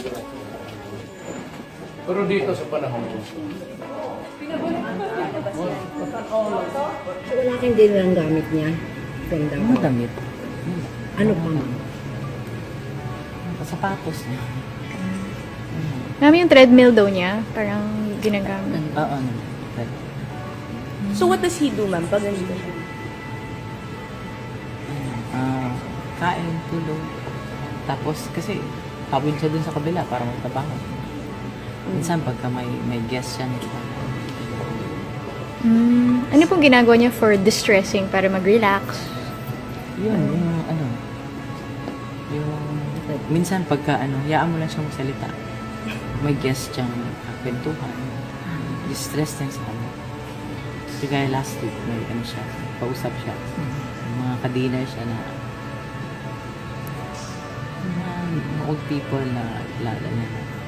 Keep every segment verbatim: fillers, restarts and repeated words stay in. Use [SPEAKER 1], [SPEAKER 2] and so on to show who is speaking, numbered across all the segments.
[SPEAKER 1] Pero dito sa panahon ko.
[SPEAKER 2] So, wala kang din ang gamit niya from the
[SPEAKER 3] Ano damit?
[SPEAKER 2] Ano pa man?
[SPEAKER 3] Sapatos niya.
[SPEAKER 4] Mami, yung treadmill daw niya, parang ginagamit.
[SPEAKER 3] Oo, ano.
[SPEAKER 5] So what does he do, ma'am, pag nandito siya?
[SPEAKER 3] Ah, kain, tulog. Tapos, kasi, pawin siya dun sa kabila para magtrabaho. Minsan, pagka may, may guest siya, nito.
[SPEAKER 4] Mm, ano pong ginagawa niya for distressing para mag-relax?
[SPEAKER 3] Yun, yung ano, yung, minsan pagka ano, hayaan mo lang siyang magsalita. May guest siyang kwentuhan. Distress din sa ano. So, kaya last week, may ano siya, pausap siya. Mga ka-dinner siya na mga old people na lala niya.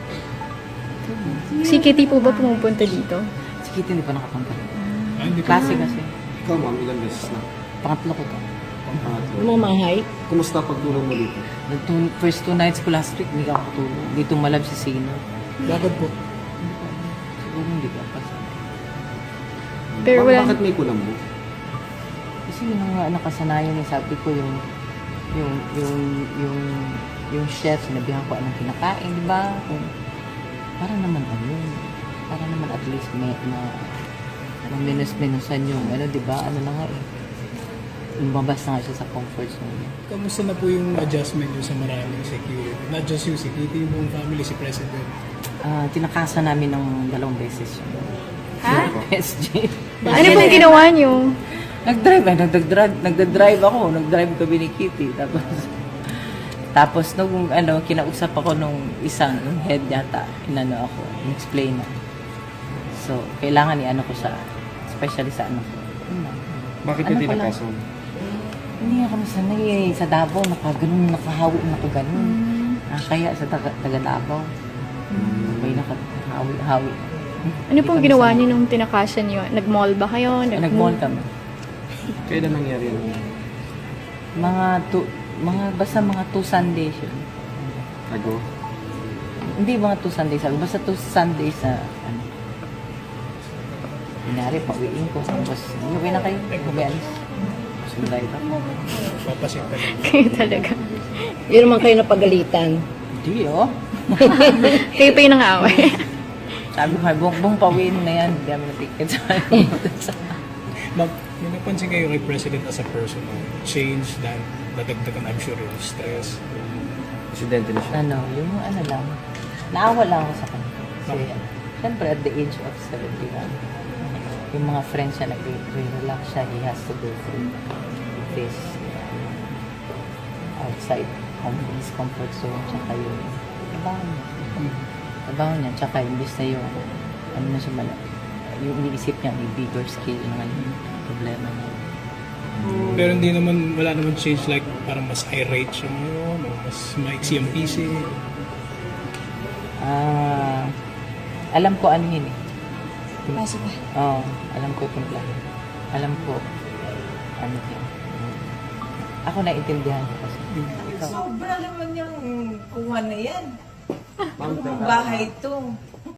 [SPEAKER 4] Si Kitty po ba pumupunta dito?
[SPEAKER 3] Si Kitty hindi pa nakapunta.
[SPEAKER 6] Ah, hindi pa.
[SPEAKER 3] Klase kasi.
[SPEAKER 7] Ikaw, ma'am, ilang beses na?
[SPEAKER 3] Pangatlo ko to.
[SPEAKER 7] Pangatlo.
[SPEAKER 2] Mamahay?
[SPEAKER 7] Kumusta pagtulong mo dito?
[SPEAKER 3] The two, first two nights ko last week, hindi ka ako tulog. Dito malab si Sino.
[SPEAKER 6] Bakit po?
[SPEAKER 3] Siguro hindi ka pa.
[SPEAKER 4] Pero
[SPEAKER 7] Ba-
[SPEAKER 4] wala.
[SPEAKER 7] Bakit may kulambo?
[SPEAKER 3] Kasi yun ang nga nakasanayan eh. Sabi ko yung yung yung yung yung chef, sinabihan ko anong kinakain, di ba? Kung para naman ano, para naman at least may na maminus-minusan yung ano, di ba? Ano na nga eh. Lumabas na nga siya sa comfort zone niya.
[SPEAKER 6] Kamusta na po yung adjustment nyo sa maraming security? Not just you, security, yung buong family, si President.
[SPEAKER 3] Ah, tinakasan namin ng dalawang beses yun.
[SPEAKER 4] Ha?
[SPEAKER 3] S J.
[SPEAKER 4] Ano pong ginawa niyo?
[SPEAKER 3] Nag-drive eh, nagdadrive, nagdadrive ako, nag-drive kami ni Kitty. Tapos, tapos nung ano, kinausap ako nung isang, nung head yata, inano ako, in-explain na. So, kailangan i-ano ko siya, especially sa ano ko. Yun lang.
[SPEAKER 7] Bakit
[SPEAKER 3] Ano
[SPEAKER 7] hindi
[SPEAKER 3] pala?
[SPEAKER 7] nakason?
[SPEAKER 3] Hindi nga kami sanay eh, sa Davao, nakaganon, nakahawi na ako ganun. Ah, kaya sa taga, taga Davao, may nakahawi-hawi.
[SPEAKER 4] Ano pong ginawa niyo nung tinakasan niyo? Nag-mall ba kayo? Nag-
[SPEAKER 3] Nag-mall kami.
[SPEAKER 7] Kailan nangyari yun?
[SPEAKER 3] Mga two, mga, basta mga two Sundays yun.
[SPEAKER 7] Ago?
[SPEAKER 3] Hindi mga two Sundays ago. Basta two Sundays na, ano. Kunyari, pauwiin ko. Tapos, uwi na kayo. Kumialis. Sunday ka.
[SPEAKER 6] Papasit ka lang.
[SPEAKER 4] Kayo talaga.
[SPEAKER 2] Yun naman kayo napagalitan.
[SPEAKER 3] Hindi, oh.
[SPEAKER 4] Kayo pa yung nang-away.
[SPEAKER 3] Sabi ko, buong, buong pauwiin na yan. Hindi kami na ticket sa
[SPEAKER 6] Ma'am, may napansin kayo kay President as a person, no? Change that nadagdagan, I'm sure, yung stress.
[SPEAKER 7] Presidente na siya.
[SPEAKER 3] Ano, yung ano lang. Naawa lang ako sa kanya. Kasi, syempre, at the age of seventy-one, yung mga friends siya, nag-relax siya, he has to go through this uh, outside home, his comfort zone, tsaka yung trabaho niya. Trabaho niya, tsaka imbis na yung, ano na siya mala, yung iniisip niya, may bigger scale naman yung problema niya.
[SPEAKER 6] Pero hindi naman, wala naman change like parang mas irate siya ngayon, o mas maiksi ang P C.
[SPEAKER 3] Ah, alam ko ano yun eh.
[SPEAKER 5] Pasok ba?
[SPEAKER 3] Oo, alam ko itong plan. Alam ko, ano yun. Ako naiintindihan ko kasi. Ikaw.
[SPEAKER 8] Sobra naman yung kuha na yan. Bahay to.